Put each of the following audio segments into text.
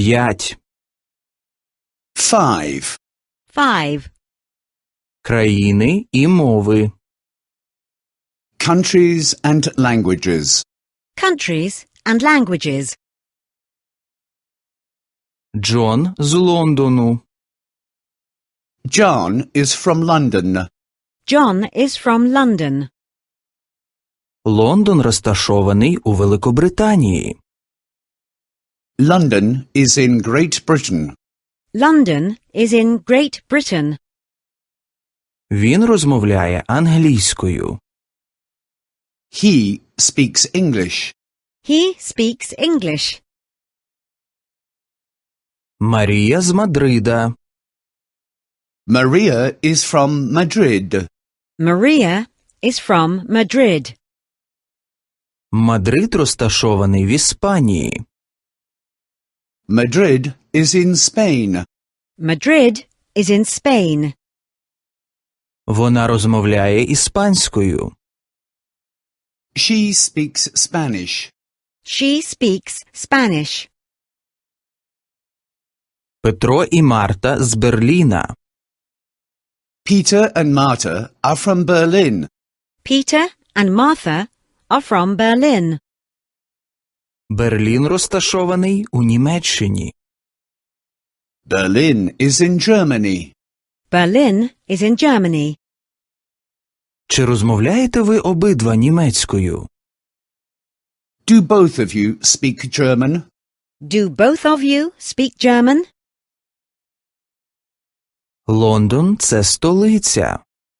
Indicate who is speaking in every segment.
Speaker 1: 5.
Speaker 2: 5.
Speaker 3: 5.
Speaker 1: Країни і мови.
Speaker 2: Countries and languages.
Speaker 3: Countries and languages.
Speaker 1: Джон з Лондону.
Speaker 2: John is from London.
Speaker 3: John is from London.
Speaker 1: Лондон розташований у Великобританії.
Speaker 2: London is in Great Britain.
Speaker 3: London is in Great Britain.
Speaker 1: Він розмовляє англійською.
Speaker 2: He speaks English.
Speaker 3: He speaks English.
Speaker 1: Марія з Мадрида.
Speaker 2: Maria is from Madrid.
Speaker 3: Maria is from Madrid.
Speaker 1: Мадрид розташований в Іспанії.
Speaker 2: Madrid is in Spain.
Speaker 3: Madrid is in Spain.
Speaker 1: Вона розмовляє іспанською.
Speaker 2: She speaks Spanish.
Speaker 3: She speaks Spanish.
Speaker 1: Петро і Марта з Берліна.
Speaker 2: Peter and Marta are from Berlin.
Speaker 3: Peter and Martha are from Berlin.
Speaker 1: Берлін розташований у Німеччині.
Speaker 2: Berlin is in Germany.
Speaker 3: Berlin is in Germany.
Speaker 1: Чи розмовляєте ви обидва німецькою?
Speaker 2: Do both of you speak German?
Speaker 3: Do both of you speak German?
Speaker 1: Лондон – це столиця.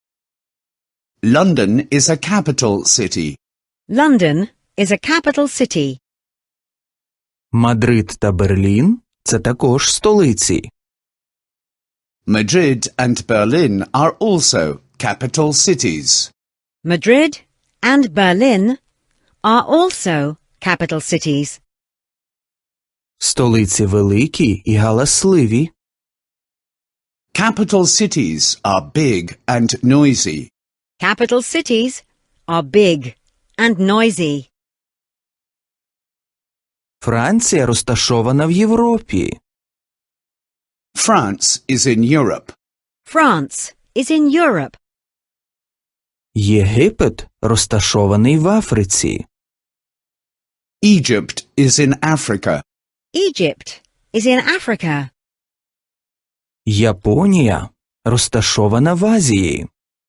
Speaker 2: London is a capital city.
Speaker 3: London is a capital city.
Speaker 1: Мадрид та Берлін – це також столиці.
Speaker 2: Madrid and Berlin are also capital cities.
Speaker 3: Madrid and Berlin are also capital cities.
Speaker 1: Столиці великі і галасливі.
Speaker 2: Capital cities are big and noisy.
Speaker 3: Capital cities are big and noisy.
Speaker 1: Франція розташована в Європі.
Speaker 2: France is in Europe.
Speaker 3: France is in Europe.
Speaker 1: Єгипет розташований в Африці.
Speaker 2: Egypt is in Africa.
Speaker 3: Egypt is in Africa.
Speaker 1: Японія розташована в Азії.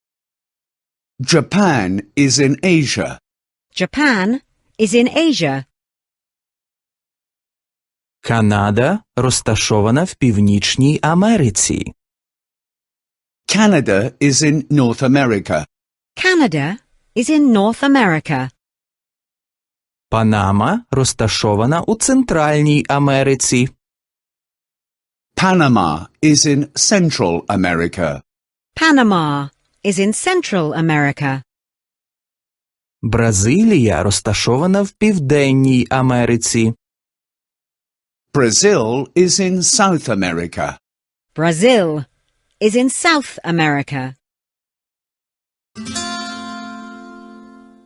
Speaker 2: Japan is in Asia.
Speaker 3: Japan is in Asia.
Speaker 1: Канада розташована в Північній Америці.
Speaker 2: Canada is in North America.
Speaker 3: Canada is in North America.
Speaker 1: Панама розташована у Центральній Америці.
Speaker 2: Panama is in Central America.
Speaker 3: Panama is in Central America.
Speaker 1: Бразилія розташована в Південній Америці.
Speaker 2: Brazil is in South America.
Speaker 3: Brazil is in South America.